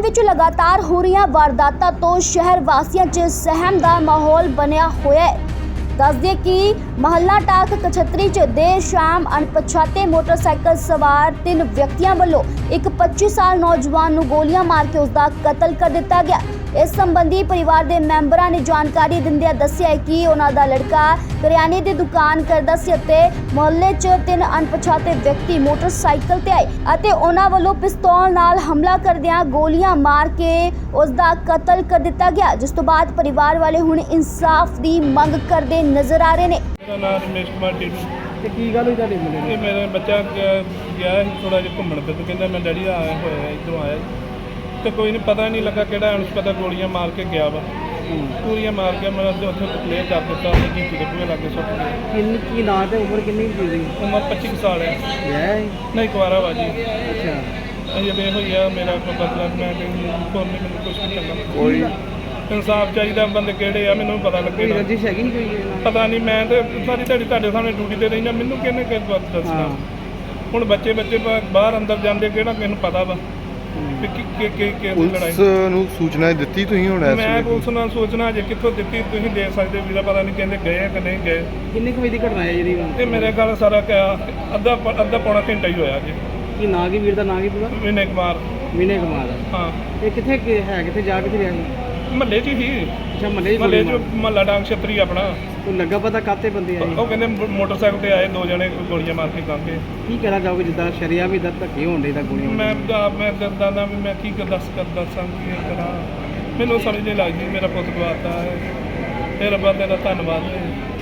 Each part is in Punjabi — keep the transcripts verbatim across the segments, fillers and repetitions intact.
ਵਿੱਚ ਲਗਾਤਾਰ ਹੋ ਰਹੀਆਂ ਵਾਰਦਾਤਾਂ ਤੋਂ ਸ਼ਹਿਰ ਵਾਸੀਆਂ 'ਚ ਸਹਿਮ ਦਾ ਮਾਹੌਲ ਬਣਿਆ ਹੋਇਆ ਹੈ। ਦੱਸ ਦਈਏ ਕਿ ਮਹੱਲਾ ਟਾਕ ਕਛੱਤਰੀ 'ਚ ਦੇਰ ਸ਼ਾਮ ਅਣਪਛਾਤੇ ਮੋਟਰਸਾਈਕਲ ਸਵਾਰ ਤਿੰਨ ਵਿਅਕਤੀਆਂ ਵੱਲੋਂ ਇੱਕ ਪੱਚੀ ਸਾਲ ਨੌਜਵਾਨ ਨੂੰ ਗੋਲੀਆਂ ਮਾਰ ਕੇ ਉਸ ਦਾ ਕਤਲ ਕਰ ਦਿੱਤਾ ਗਿਆ। ਇਸ ਸੰਬੰਧੀ ਪਰਿਵਾਰ ਦੇ ਮੈਂਬਰਾਂ ਨੇ ਜਾਣਕਾਰੀ ਦਿੰਦਿਆਂ ਦੱਸਿਆ ਹੈ ਕਿ ਉਹਨਾਂ ਦਾ ਲੜਕਾ ਕਰਿਆਨੇ ਦੀ ਦੁਕਾਨ ਕਰਦਾ ਸੀ ਅਤੇ ਮੁਹੱਲੇ 'ਚ ਤਿੰਨ ਅਣਪਛਾਤੇ ਵਿਅਕਤੀ ਮੋਟਰਸਾਈਕਲ ਤੇ ਆਏ ਅਤੇ ਉਹਨਾਂ ਵੱਲੋਂ ਪਿਸਤੌਲ ਨਾਲ ਹਮਲਾ ਕਰਦਿਆਂ ਗੋਲੀਆਂ ਮਾਰ ਕੇ ਉਸ ਦਾ ਕਤਲ ਕਰ ਦਿੱਤਾ ਗਿਆ, ਜਿਸ ਤੋਂ ਬਾਅਦ ਪਰਿਵਾਰ ਵਾਲੇ ਹੁਣ ਇਨਸਾਫ ਦੀ ਮੰਗ ਕਰਦੇ ਨਜ਼ਰ ਆ ਰਹੇ ਨੇ। ਮੇਰਾ ਨਾਮ ਰਮੇਸ਼ ਕੁਮਾਰ ਟੀਟੂ। ਤੇ ਕੀ ਗੱਲ ਹੋਈ ਤੁਹਾਡੇ ਮੁੰਡੇ ਇਹ ਨੂੰ? ਮੇਰਾ ਬੱਚਾ ਗਿਆ ਗਿਆ ਸੀ ਥੋੜਾ ਜਿਹਾ ਘੁੰਮਣ ਫਿਰ ਕਹਿੰਦਾ ਮੈਂ ਡੈਡੀ ਆਇਆ ਹੋਇਆ ਇੱਧਰੋਂ ਆਇਆ ਤੇ ਕੋਈ ਨਹੀਂ ਪਤਾ ਨਹੀਂ ਲੱਗਾ ਕਿਹੜਾ ਅਣਪਤਾ ਗੋਲੀਆਂ ਮਾਰ ਕੇ ਗਿਆ ਵਾ। ਗੋਲੀਆਂ ਮਾਰ ਕੇ ਮੈਂ ਉੱਥੇ ਕਲੀਅਰ ਕਰ ਦਿੱਤਾ ਉਹਨੇ ਕੀ ਦੇ ਪੂਰੇ ਲੱਗੇ ਸੁੱਟ ਗਏ। ਕਿੰਨੀ ਕੀ ਨਾਂ ਤੇ ਉਮਰ ਕਿੰਨੀ ਸੀ ਉਹਦੀ? ਉਮਰ ਪੱਚੀ ਕੁ ਸਾਲ ਹੈ। ਵਿਆਹ ਹੈ? ਨਹੀਂ ਕੁਆਰਾ ਵਾ ਜੀ। ਅੱਛਾ। ਅਜੇ ਵੇ ਹੋਈ ਆ ਮੇਰਾ ਕੋਈ ਬਦਲਾ ਮੈਂ ਕੋਈ ਮੈਨੂੰ ਕੁਝ ਨਹੀਂ ਕਰਨਾ। ਕੋਈ ਇਨਸਾਫ ਚਾਹੀਦਾ। ਬੰਦੇ ਕਿਹੜੇ ਆ ਮੈਨੂੰ ਪਤਾ ਕੋਈ ਲੱਗੇ। ਰੰਜਿਸ਼ ਹੈਗੀ ਕੋਈ ਇਹਦੇ ਨਾਲ? ਪਤਾ ਨਹੀਂ ਮੈਂ ਤੇ ਸਾਰੀ ਤੁਹਾਡੀ ਤੁਹਾਡੇ ਸਾਹਮਣੇ ਡਿਊਟੀ ਤੇ ਰਹਿਣਾ ਮੈਨੂੰ ਕਿਹਨੇ ਕਿਸ ਬਾਤ ਦੱਸਣਾ। ਹਾਂ। ਹੁਣ ਬੱਚੇ ਬੱਚੇ ਬਾ- ਬਾਹਰ ਅੰਦਰ ਜਾਂਦੇ ਕਿਹੜਾ ਮੈਨੂੰ ਪਤਾ ਵਾ ਕਿ ਕਿ ਕਿ ਕਿ ਕਿ ਲੜਾਈ ਪੁਲਿਸ ਨੂੰ ਸੂਚਨਾ ਦਿੱਤੀ ਤੁਸੀਂ ਹੁਣ ਇਸ ਮੈਂ ਵੇਲੇ? ਪੁਲਿਸ ਨਾਲ ਸੋਚਣਾ ਜੇ ਕਿੱਥੋਂ ਦਿੱਤੀ ਤੁਸੀਂ ਦੇ ਸਕਦੇ ਵੀਰਾ ਪਤਾ ਨਹੀਂ ਕਹਿੰਦੇ ਗਏ ਆ ਕਿ ਨਹੀਂ ਗਏ। ਕਿੰਨੇ ਕੁ ਵਜੇ ਦੀ ਘਟਨਾ ਹੈ ਜਿਹੜੀ? ਇਹ ਮੇਰੇ ਗੱਲ ਸਾਰਾ ਕਿਆ ਅੱਧਾ ਪ- ਅੱਧਾ ਪੌਣਾ ਘੰਟਾ ਹੀ ਹੋਇਆ ਜੀ। ਕੀ ਨਾਂ ਕੀ ਵੀਰ ਦਾ ਨਾਂ ਕੀ ਪੂਰਾ? ਵਿਨੇ ਕੁਮਾਰ। ਵਿਨੇ ਕੁਮਾਰ। ਹਾਂ ਇਹ ਕਿੱਥੇ ਕਿ- ਹੈ ਕਿੱਥੇ ਜਾ ਕਿੱਥੇ ਰਿਹਾ ਸੀ? ਮਹੱਲੇ 'ਚ ਹੀ ਅੱਛਾ ਮਹੱਲੇ ਮਹੱਲੇ 'ਚ ਮਹੱਲਾ ਡਾਂਗ ਛਤਰੀ ਆਪਣਾ। ਕੋਈ ਲੱਗਾ ਪਤਾ ਕਾਤੇ ਬੰਦੇ ਆਏ? ਉਹ ਕਹਿੰਦੇ ਮੋ- ਮੋਟਰਸਾਈਕਲ ਤੇ ਆਏ ਦੋ ਜਣੇ ਗੋਲੀਆਂ ਮਾਰ ਕੇ ਕਾਂਗੇ। ਕੀ ਕਹਿਣਾ ਚਾਹੋਗੇ ਜਿੱਦਾਂ ਸ਼ਰੀਆ ਵੀ ਦਾ ਧੱਕੇ ਹੋਣ ਦੇ ਤਾਂ ਗੋਲੀਆਂ? ਮੈਂ ਆਪ ਮੈਂ ਦਰਦਾਂ ਦਾ ਵੀ ਮੈਂ ਕੀ ਕਰ ਦੱਸ ਕਰ ਦੱਸਾਂ ਕੀ ਕਰਾਂ ਮੈਨੂੰ ਸਮਝ ਨਹੀਂ ਲੱਗਦੀ। ਮੇਰਾ ਪੁੱਤ ਗਵਾਤਾ ਹੈ। ਇਹ ਰੱਬਾ ਤੇਰਾ ਧੰਨਵਾਦ ਹੈ।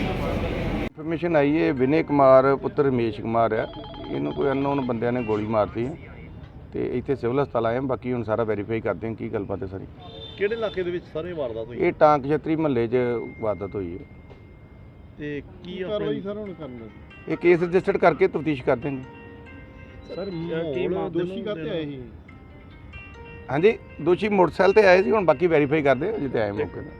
ਇਨਫੋਰਮੇਸ਼ਨ ਆਈ ਹੈ ਵਿਨੇ ਕੁਮਾਰ ਪੁੱਤਰ ਰਮੇਸ਼ ਕੁਮਾਰ ਆ, ਇਹਨੂੰ ਕੋਈ ਅਨਨੋਨ ਬੰਦਿਆਂ ਨੇ ਗੋਲੀ ਮਾਰਤੀ ਹੈ ਤੇ ਇੱਥੇ ਸਿਵਲ ਹਸਪਤਾਲ ਆਏ ਹਾਂ। ਬਾਕੀ ਹੁਣ ਸਾਰਾ ਵੈਰੀਫਾਈ ਕਰਦੇ ਹਾਂ ਕੀ ਗੱਲਬਾਤ ਹੈ ਸਾਰੀ। ਕਿਹੜੇ ਇਲਾਕੇ ਦੇ ਵਿੱਚ ਸਾਰੇ ਵਾਰਦਾਤ ਹੋਈ ਇਹ ਟਾਂਕ ਛਤਰੀ ਮਹੱਲੇ 'ਚ ਵਾਰਦਾਤ ਹੋਈ ਹੈ ਤੇ ਕੀ ਕਾਰਵਾਈ ਸਰ ਹੁਣ ਕਰਨਾ? ਇਹ ਕੇਸ ਰਜਿਸਟਰਡ ਕਰਕੇ ਤਫਤੀਸ਼ ਕਰਦੇ ਨੇ। ਸਰ ਕੀ ਦੋਸ਼ੀ ਕਰਤੇ ਆਏ ਸੀ? ਹਾਂਜੀ ਦੋਸ਼ੀ ਮੋਟਰਸਾਈਕਲ ਤੇ ਆਏ ਸੀ, ਹੁਣ ਬਾਕੀ ਵੈਰੀਫਾਈ ਕਰਦੇ ਹਾਂ ਜਿੱਤੇ ਆਏ ਮੌਕੇ 'ਤੇ।